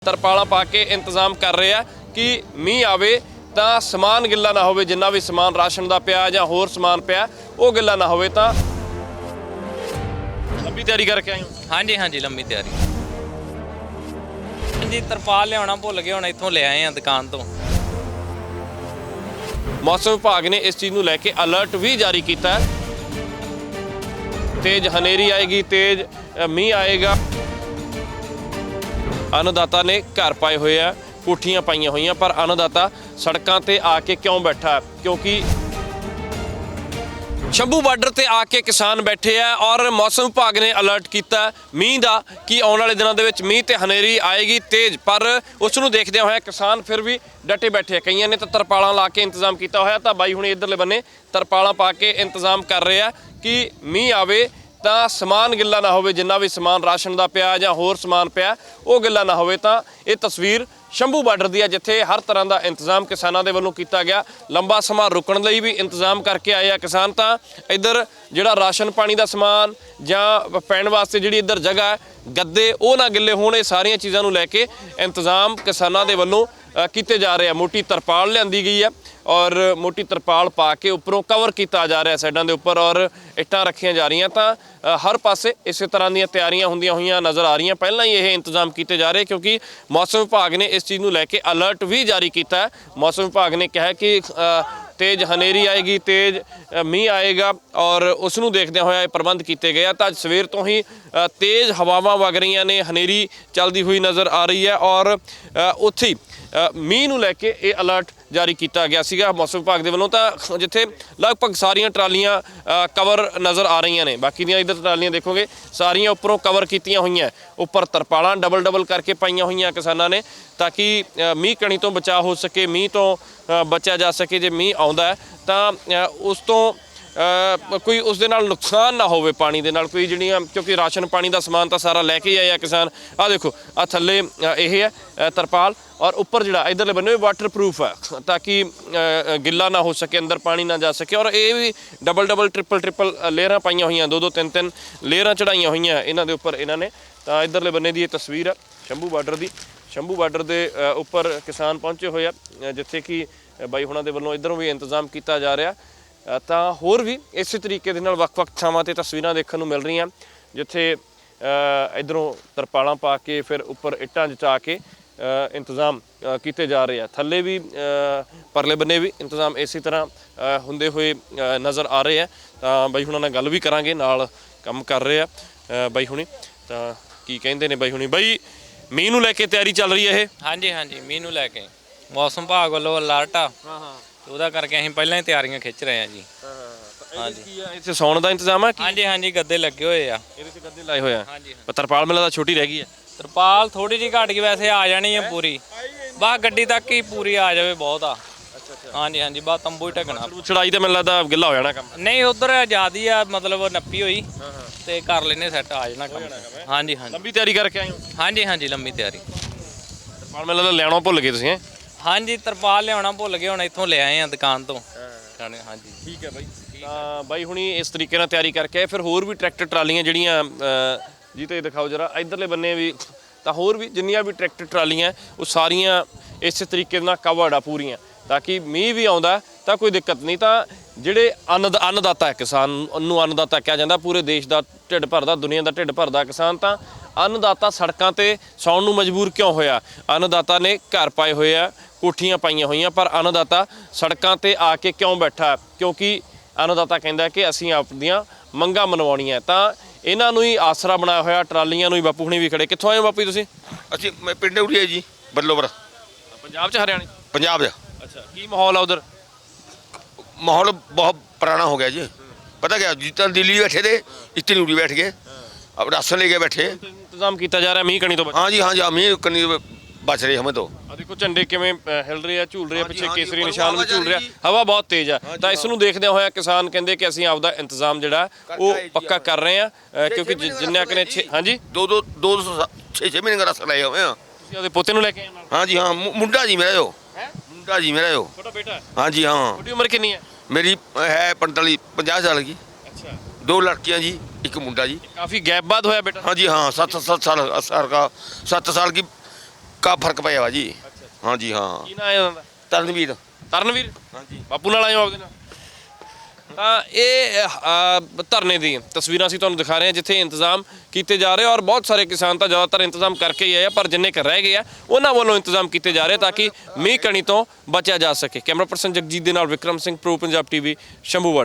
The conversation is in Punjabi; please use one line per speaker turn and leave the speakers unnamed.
ਤਰਪਾਲਾਂ ਪਾ ਕੇ ਇੰਤਜ਼ਾਮ ਕਰ ਰਹੇ ਆ ਕਿ ਮੀਂਹ ਆਵੇ ਤਾਂ ਸਮਾਨ ਗਿੱਲਾ ਨਾ ਹੋਵੇ। ਜਿੰਨਾ ਵੀ ਸਮਾਨ ਰਾਸ਼ਨ ਦਾ ਪਿਆ ਜਾਂ ਹੋਰ ਸਮਾਨ ਪਿਆ ਉਹ ਗਿੱਲਾ ਨਾ ਹੋਵੇ। ਤਾਂ ਲੰਬੀ ਤਿਆਰੀ ਕਰਕੇ ਆਏ ਹੋ?
ਹਾਂਜੀ ਹਾਂਜੀ ਲੰਬੀ ਤਿਆਰੀ ਜੀ। ਤਰਪਾਲ ਲਿਆਉਣਾ ਭੁੱਲ ਗਏ, ਹੁਣ ਇੱਥੋਂ ਲੈ ਆਏ ਆ ਦੁਕਾਨ ਤੋਂ।
ਮੌਸਮ ਵਿਭਾਗ ਨੇ ਇਸ ਚੀਜ਼ ਨੂੰ ਲੈ ਕੇ ਅਲਰਟ ਵੀ ਜਾਰੀ ਕੀਤਾ ਹੈ। ਤੇਜ਼ ਹਨੇਰੀ ਆਏਗੀ, ਤੇਜ਼ ਮੀਂਹ ਆਏਗਾ। ਅੰਨਦਾਤਾ ਨੇ ਘਰ ਪਾਏ ਹੋਏ ਆ, ਕੋਠੀਆਂ ਪਾਈਆਂ ਹੋਈਆਂ, ਪਰ ਅੰਨਦਾਤਾ ਸੜਕਾਂ ਤੇ ਆ ਕੇ ਕਿਉਂ ਬੈਠਾ? ਕਿਉਂਕਿ ਸ਼ੰਭੂ ਬਾਰਡਰ ਤੇ ਆ ਕੇ ਕਿਸਾਨ ਬੈਠੇ ਆ ਔਰ ਮੌਸਮ ਵਿਭਾਗ ਨੇ ਅਲਰਟ ਕੀਤਾ ਮੀਂਹ ਦਾ ਕਿ ਆਉਣ ਵਾਲੇ ਦਿਨਾਂ ਦੇ ਵਿੱਚ ਮੀਂਹ ਤੇ ਹਨੇਰੀ ਆਏਗੀ ਤੇਜ਼। ਪਰ ਉਸ ਨੂੰ ਦੇਖਦਿਆਂ ਹੋਇਆ ਕਿਸਾਨ ਫਿਰ ਵੀ ਡਟੇ ਬੈਠੇ ਆ। ਕਈਆਂ ਨੇ ਤਾਂ ਤਰਪਾਲਾਂ ਲਾ ਕੇ ਇੰਤਜ਼ਾਮ ਕੀਤਾ ਹੋਇਆ, ਤਾਂ ਬਾਈ ਹੁਣ ਇੱਧਰਲੇ ਬੰਨੇ ਤਰਪਾਲਾਂ ਪਾ ਕੇ ਇੰਤਜ਼ਾਮ ਕਰ ਰਹੇ ਆ ਕਿ ਮੀਂਹ ਆਵੇ ਤਾਂ ਸਮਾਨ ਗਿੱਲਾ ਨਾ ਹੋਵੇ। ਜਿੰਨਾ ਵੀ ਸਮਾਨ ਰਾਸ਼ਨ ਦਾ ਪਿਆ ਜਾਂ ਹੋਰ ਸਮਾਨ ਪਿਆ ਉਹ ਗਿੱਲਾ ਨਾ ਹੋਵੇ। ਤਾਂ ਇਹ ਤਸਵੀਰ ਸ਼ੰਭੂ ਬਾਰਡਰ ਦੀ ਹੈ, ਜਿੱਥੇ ਹਰ ਤਰ੍ਹਾਂ ਦਾ ਇੰਤਜ਼ਾਮ ਕਿਸਾਨਾਂ ਦੇ ਵੱਲੋਂ ਕੀਤਾ ਗਿਆ। ਲੰਬਾ ਸਮਾਂ ਰੁਕਣ ਲਈ ਵੀ ਇੰਤਜ਼ਾਮ ਕਰਕੇ ਆਏ ਆ ਕਿਸਾਨ। ਤਾਂ ਇੱਧਰ ਜਿਹੜਾ ਰਾਸ਼ਨ ਪਾਣੀ ਦਾ ਸਮਾਨ ਜਾਂ ਪੈਣ ਵਾਸਤੇ ਜਿਹੜੀ ਇੱਧਰ ਜਗ੍ਹਾ ਹੈ, ਗੱਦੇ ਉਹ ਨਾ ਗਿੱਲੇ ਹੋਣ, ਇਹ ਸਾਰੀਆਂ ਚੀਜ਼ਾਂ ਨੂੰ ਲੈ ਕੇ ਇੰਤਜ਼ਾਮ ਕਿਸਾਨਾਂ ਦੇ ਵੱਲੋਂ ਕੀਤੇ ਜਾ ਰਹੇ ਆ। ਮੋਟੀ ਤਰਪਾਲ ਲਿਆਂਦੀ ਗਈ ਹੈ ਔਰ ਮੋਟੀ ਤਰਪਾਲ ਪਾ ਕੇ ਉੱਪਰੋਂ ਕਵਰ ਕੀਤਾ ਜਾ ਰਿਹਾ ਸਾਈਡਾਂ ਦੇ ਉੱਪਰ, ਔਰ ਇੱਟਾਂ ਰੱਖੀਆਂ ਜਾ ਰਹੀਆਂ। ਤਾਂ ਹਰ ਪਾਸੇ ਇਸੇ ਤਰ੍ਹਾਂ ਦੀਆਂ ਤਿਆਰੀਆਂ ਹੁੰਦੀਆਂ ਹੋਈਆਂ ਨਜ਼ਰ ਆ ਰਹੀਆਂ। ਪਹਿਲਾਂ ਹੀ ਇਹ ਇੰਤਜ਼ਾਮ ਕੀਤੇ ਜਾ ਰਹੇ ਕਿਉਂਕਿ ਮੌਸਮ ਵਿਭਾਗ ਨੇ ਇਸ ਚੀਜ਼ ਨੂੰ ਲੈ ਕੇ ਅਲਰਟ ਵੀ ਜਾਰੀ ਕੀਤਾ ਹੈ। ਮੌਸਮ ਵਿਭਾਗ ਨੇ ਕਿਹਾ ਕਿ ਤੇਜ਼ ਹਨੇਰੀ ਆਏਗੀ, ਤੇਜ਼ ਮੀਂਹ ਆਏਗਾ ਔਰ ਉਸ ਨੂੰ ਦੇਖਦਿਆਂ ਹੋਇਆ ਇਹ ਪ੍ਰਬੰਧ ਕੀਤੇ ਗਏ ਆ। ਤਾਂ ਅੱਜ ਸਵੇਰ ਤੋਂ ਹੀ ਤੇਜ਼ ਹਵਾਵਾਂ ਵਗ ਰਹੀਆਂ ਨੇ, ਹਨੇਰੀ ਚੱਲਦੀ ਹੋਈ ਨਜ਼ਰ ਆ ਰਹੀ ਹੈ ਔਰ ਉੱਥੇ ਹੀ ਮੀਂਹ ਨੂੰ ਲੈ ਕੇ ਇਹ ਅਲਰਟ ਜਾਰੀ ਕੀਤਾ ਗਿਆ ਸੀਗਾ ਮੌਸਮ ਵਿਭਾਗ ਦੇ ਵੱਲੋਂ। ਤਾਂ ਜਿੱਥੇ ਲਗਭਗ ਸਾਰੀਆਂ ਟਰਾਲੀਆਂ ਕਵਰ ਨਜ਼ਰ ਆ ਰਹੀਆਂ ਨੇ, ਬਾਕੀ ਦੀਆਂ ਇੱਧਰ ਟਰਾਲੀਆਂ ਦੇਖੋਗੇ ਸਾਰੀਆਂ ਉੱਪਰੋਂ ਕਵਰ ਕੀਤੀਆਂ ਹੋਈਆਂ। ਉੱਪਰ ਤਰਪਾਲਾਂ ਡਬਲ ਕਰਕੇ ਪਾਈਆਂ ਹੋਈਆਂ ਕਿਸਾਨਾਂ ਨੇ ਤਾਂ ਕਿ ਮੀਂਹ ਕਣੀ ਤੋਂ ਬਚਾਅ ਹੋ ਸਕੇ, ਮੀਂਹ ਤੋਂ ਬਚਿਆ ਜਾ ਸਕੇ। ਜੇ ਮੀਂਹ ਆਉਂਦਾ ਹੈ ਤਾਂ ਉਸ ਤੋਂ ਕੋਈ ਉਸ ਦੇ ਨਾਲ ਨੁਕਸਾਨ ਨਾ ਹੋਵੇ, ਪਾਣੀ ਦੇ ਨਾਲ ਕੋਈ ਜਿਹੜੀਆਂ, ਕਿਉਂਕਿ ਰਾਸ਼ਨ ਪਾਣੀ ਦਾ ਸਮਾਨ ਤਾਂ ਸਾਰਾ ਲੈ ਕੇ ਆਏ ਆ ਕਿਸਾਨ। ਆਹ ਦੇਖੋ ਆਹ ਥੱਲੇ ਇਹ ਹੈ ਤਰਪਾਲ ਔਰ ਉੱਪਰ ਜਿਹੜਾ ਇੱਧਰਲੇ ਬੰਨੇ ਵਾਟਰਪ੍ਰੂਫ ਹੈ ਤਾਂ ਕਿ ਗਿੱਲਾ ਨਾ ਹੋ ਸਕੇ, ਅੰਦਰ ਪਾਣੀ ਨਾ ਜਾ ਸਕੇ। ਔਰ ਇਹ ਵੀ ਡਬਲ ਟ੍ਰਿਪਲ ਲੇਅਰਾਂ ਪਾਈਆਂ ਹੋਈਆਂ, ਦੋ ਤਿੰਨ ਲੇਅਰਾਂ ਚੜਾਈਆਂ ਹੋਈਆਂ ਇਹਨਾਂ ਦੇ ਉੱਪਰ ਇਹਨਾਂ ਨੇ। ਤਾਂ ਇੱਧਰਲੇ ਬੰਨੇ ਦੀ ਇਹ ਤਸਵੀਰ ਹੈ ਸ਼ੰਭੂ ਬਾਰਡਰ ਦੀ। ਸ਼ੰਭੂ ਬਾਰਡਰ ਦੇ ਉੱਪਰ ਕਿਸਾਨ ਪਹੁੰਚੇ ਹੋਏ ਆ, ਜਿੱਥੇ ਕਿ ਬਾਈ ਹੁਣਾਂ ਦੇ ਵੱਲੋਂ ਇੱਧਰੋਂ ਵੀ ਇੰਤਜ਼ਾਮ ਕੀਤਾ ਜਾ ਰਿਹਾ। ਤਾਂ ਹੋਰ ਵੀ ਇਸੇ ਤਰੀਕੇ ਦੇ ਨਾਲ ਵੱਖ-ਵੱਖ ਥਾਵਾਂ 'ਤੇ ਤਸਵੀਰਾਂ ਦੇਖਣ ਨੂੰ ਮਿਲ ਰਹੀਆਂ, ਜਿੱਥੇ ਇੱਧਰੋਂ ਤਰਪਾਲਾਂ ਪਾ ਕੇ ਫਿਰ ਉੱਪਰ ਇੱਟਾਂ ਜਚਾ ਕੇ ਇੰਤਜ਼ਾਮ ਕੀਤੇ ਜਾ ਰਹੇ ਆ। ਥੱਲੇ ਵੀ ਪਰਲੇ ਬੰਨੇ ਵੀ ਇੰਤਜ਼ਾਮ ਇਸੇ ਤਰ੍ਹਾਂ ਹੁੰਦੇ ਹੋਏ ਨਜ਼ਰ ਆ ਰਹੇ ਆ। ਤਾਂ ਬਾਈ ਹੁਣਾਂ ਨਾਲ ਗੱਲ ਵੀ ਕਰਾਂਗੇ, ਨਾਲ ਕੰਮ ਕਰ ਰਹੇ ਆ ਬਾਈ ਹੁਣੀ। ਤਾਂ ਕੀ ਕਹਿੰਦੇ ਨੇ ਬਾਈ ਹੁਣੀ? ਬਾਈ ਮੀਂਹ ਨੂੰ ਲੈ ਕੇ ਤਿਆਰੀ ਚੱਲ ਰਹੀ ਹੈ ਇਹ?
ਹਾਂਜੀ ਹਾਂਜੀ ਮੀਂਹ ਨੂੰ ਲੈ ਕੇ ਮੌਸਮ ਵਿਭਾਗ ਵੱਲੋਂ ਅਲਰਟ ਆ। ਉਹਦਾ ਕਰਕੇ ਅਸੀਂ ਪਹਿਲਾਂ ਹੀ ਤਿਆਰੀਆਂ ਖਿੱਚ ਰਹੇ ਹਾਂ ਜੀ।
ਹਾਂਜੀ ਕੀ ਆ ਇੱਥੇ ਸੌਣ ਦਾ ਇੰਤਜ਼ਾਮ ਹੈ?
ਹਾਂਜੀ ਹਾਂਜੀ ਗੱਦੇ ਲੱਗੇ ਹੋਏ ਆ,
ਇਹਦੇ 'ਚ ਗੱਦੇ ਲਾਏ ਹੋਏ ਆ।
ਹਾਂਜੀ
ਤਰਪਾਲ ਮੇਲਾ ਤਾਂ ਛੋਟੀ ਰਹਿ ਗਈ ਹੈ।
ਤਰਪਾਲ ਥੋੜੀ ਜਿਹੀ ਘੱਟ ਗਈ, ਵੈਸੇ ਆ ਜਾਣੀ ਹੈ ਪੂਰੀ। ਬਸ ਗੱਡੀ ਤੱਕ ਹੀ ਪੂਰੀ ਆ ਜਾਵੇ ਬਹੁਤ ਆ। ਹਾਂਜੀ ਹਾਂਜੀ ਬਸ ਤੰਬੂ ਹੀ ਢਕਣਾ।
ਚੜਾਈ ਤਾਂ ਮੈਨੂੰ ਲੱਗਦਾ ਗਿੱਲਾ ਹੋ ਜਾਣਾ ਕੰਮ।
ਨਹੀਂ ਉਧਰ ਜ਼ਿਆਦੀ ਆ, ਮਤਲਬ ਨੱਪੀ ਹੋਈ ਤੇ ਕਰ ਲੈਨੇ ਸੈੱਟ, ਆ ਜਾਣਾ ਕੰਮ। ਹਾਂਜੀ ਹਾਂਜੀ
ਲੰਬੀ ਤਿਆਰੀ ਕਰਕੇ ਆਏ ਹੋ?
ਹਾਂਜੀ ਹਾਂਜੀ ਲੰਬੀ ਤਿਆਰੀ।
ਤਰਪਾਲ ਮੇਲਾ ਤਾਂ ਲੈਣਾ ਭੁੱਲ ਗਏ ਤੁਸੀਂ?
ਹਾਂਜੀ ਤਰਪਾਲ ਲਿਆਉਣਾ ਭੁੱਲ ਗਏ, ਹੁਣ ਇੱਥੋਂ ਲੈ ਆਏ ਆ ਦੁਕਾਨ ਤੋਂ। ਹਾਂਜੀ
ਠੀਕ ਹੈ ਬਾਈ। ਤਾਂ ਬਾਈ ਹੁਣੀ ਇਸ ਤਰੀਕੇ ਨਾਲ ਤਿਆਰੀ ਕਰਕੇ ਆਏ। ਫਿਰ ਹੋਰ ਵੀ ਟਰੈਕਟਰ ਟਰਾਲੀਆਂ ਜਿਹੜੀਆਂ ਜੀ ਤੇ ਦਿਖਾਓ ਜਰਾ ਇੱਧਰਲੇ ਬੰਨੇ ਵੀ, ਤਾਂ ਹੋਰ ਵੀ ਜਿੰਨੀਆਂ ਵੀ ਟਰੈਕਟਰ ਟਰਾਲੀਆਂ ਉਹ ਸਾਰੀਆਂ ਇਸੇ ਤਰੀਕੇ ਨਾਲ ਕਵਰਡ ਆ ਪੂਰੀਆਂ, ਤਾਂ ਕਿ ਮੀਂਹ ਵੀ ਆਉਂਦਾ ਤਾਂ ਕੋਈ ਦਿੱਕਤ ਨਹੀਂ। ਤਾਂ ਜਿਹੜੇ ਅੰਨਦਾਤਾ ਹੈ, ਕਿਸਾਨ ਨੂੰ ਅੰਨਦਾਤਾ ਕਿਹਾ ਜਾਂਦਾ, ਪੂਰੇ ਦੇਸ਼ ਦਾ ਢਿੱਡ ਭਰਦਾ, ਦੁਨੀਆ ਦਾ ਢਿੱਡ ਭਰਦਾ ਕਿਸਾਨ। ਤਾਂ ਅੰਨਦਾਤਾ ਸੜਕਾਂ ਤੇ ਸੌਣ ਨੂੰ ਮਜਬੂਰ ਕਿਉਂ ਹੋਇਆ? ਅੰਨਦਾਤਾ ਨੇ ਘਰ ਪਾਏ ਹੋਏ ਆ, ਕੋਠੀਆਂ ਪਾਈਆਂ ਹੋਈਆਂ, ਪਰ ਅੰਨਦਾਤਾ ਸੜਕਾਂ ਤੇ ਆ ਕੇ ਕਿਉਂ ਬੈਠਾ? ਕਿਉਂਕਿ ਅੰਨਦਾਤਾ ਕਹਿੰਦਾ ਕਿ ਅਸੀਂ ਆਪਣੀਆਂ ਮੰਗਾਂ ਮਨਵਾਉਣੀਆਂ। ਤਾਂ ਇਹਨਾਂ ਨੂੰ ਹੀ ਆਸਰਾ ਬਣਾਇਆ ਹੋਇਆ, ਟਰਾਲੀਆਂ ਨੂੰ ਹੀ। ਬਾਪੂ ਹੁਣੀ ਵੀ ਖੜੇ। ਕਿੱਥੋਂ ਆਏ ਹੋ ਬਾਪੂ ਤੁਸੀਂ?
ਅਸੀਂ ਪਿੰਡ ਉੜੀਏ ਜੀ, ਬੱਲੋਵਰ।
ਪੰਜਾਬ 'ਚ, ਹਰਿਆਣੇ?
ਪੰਜਾਬ 'ਚ।
ਅੱਛਾ, ਕੀ ਮਾਹੌਲ ਆ ਉਧਰ?
ਮਾਹੌਲ ਬਹੁਤ ਪੁਰਾਣਾ ਹੋ ਗਿਆ ਜੀ। ਪਤਾ ਕਿਆ, ਜਿੱਦਾਂ ਦਿੱਲੀ ਬੈਠੇ ਤੇ ਇੱਥੇ ਉੜੀ ਬੈਠ ਗਏ, अब राशन लेके बैठे।
इंतजाम किया जा रहा है मीह कनी तो?
हाँ जी मीह कनी बच रहे हमें तो।
देखो झंडे किवें हिल रहे हैं, झूल रहे हैं, पिछे केसरी निशान भी झूल रहा, हवा बहुत तेज है। तो इस नूं देखदे होए किसान कहंदे कि असीं आपदा इंतजाम जिहड़ा वो पक्का कर रहे हैं, क्योंकि जिन्ने कने। हाँ जी,
दो 6 महीने का राशन लाए हुए हैं।
तुसीं आपदे पोते नूं लेके आए नाल?
हाँ जी हाँ, मुंडा जी मेरा जो मुंडा जी मेरा जो
छोटा बेटा है।
हाँ जी हाँ।
छोटी उम्र कितनी है?
मेरी है 45-50 साल की।
अच्छा,
2 लड़कियाँ जी, एक मुंडा जी।
काफी गैप बाद होया बेटा?
हाँ जी हाँ, 7 साल का 7 साल की ਫਰਕ ਪਿਆ ਵਾ ਜੀ। ਹਾਂਜੀ ਹਾਂ।
ਕੀ ਨਾਂ ਹੈ ਉਹਨਾਂ ਦਾ?
ਤਰਨਵੀਰ।
ਤਰਨਵੀਰ
ਹਾਂਜੀ।
ਬਾਪੂ ਨਾਲ ਆਏ ਹੋ ਆਪਦੇ ਨਾਲ? ਤਾਂ ਇਹ ਧਰਨੇ ਦੀ ਤਸਵੀਰਾਂ ਅਸੀਂ ਤੁਹਾਨੂੰ ਦਿਖਾ ਰਹੇ ਹਾਂ ਜਿੱਥੇ ਇੰਤਜ਼ਾਮ ਕੀਤੇ ਜਾ ਰਹੇ ਔਰ ਬਹੁਤ ਸਾਰੇ ਕਿਸਾਨ ਤਾਂ ਜ਼ਿਆਦਾਤਰ ਇੰਤਜ਼ਾਮ ਕਰਕੇ ਹੀ ਆਏ ਆ, ਪਰ ਜਿੰਨੇ ਕੁ ਰਹਿ ਗਏ ਆ ਉਹਨਾਂ ਵੱਲੋਂ ਇੰਤਜ਼ਾਮ ਕੀਤੇ ਜਾ ਰਹੇ ਤਾਂ ਕਿ ਮੀਂਹ ਕਣੀ ਤੋਂ ਬਚਿਆ ਜਾ ਸਕੇ। ਕੈਮਰਾ ਪਰਸਨ ਜਗਜੀਤ ਦੇ ਨਾਲ ਵਿਕਰਮ ਸਿੰਘ, ਪ੍ਰੋ ਪੰਜਾਬ ਟੀਵੀ, ਸ਼ੰਭੂਵਾੜਾ।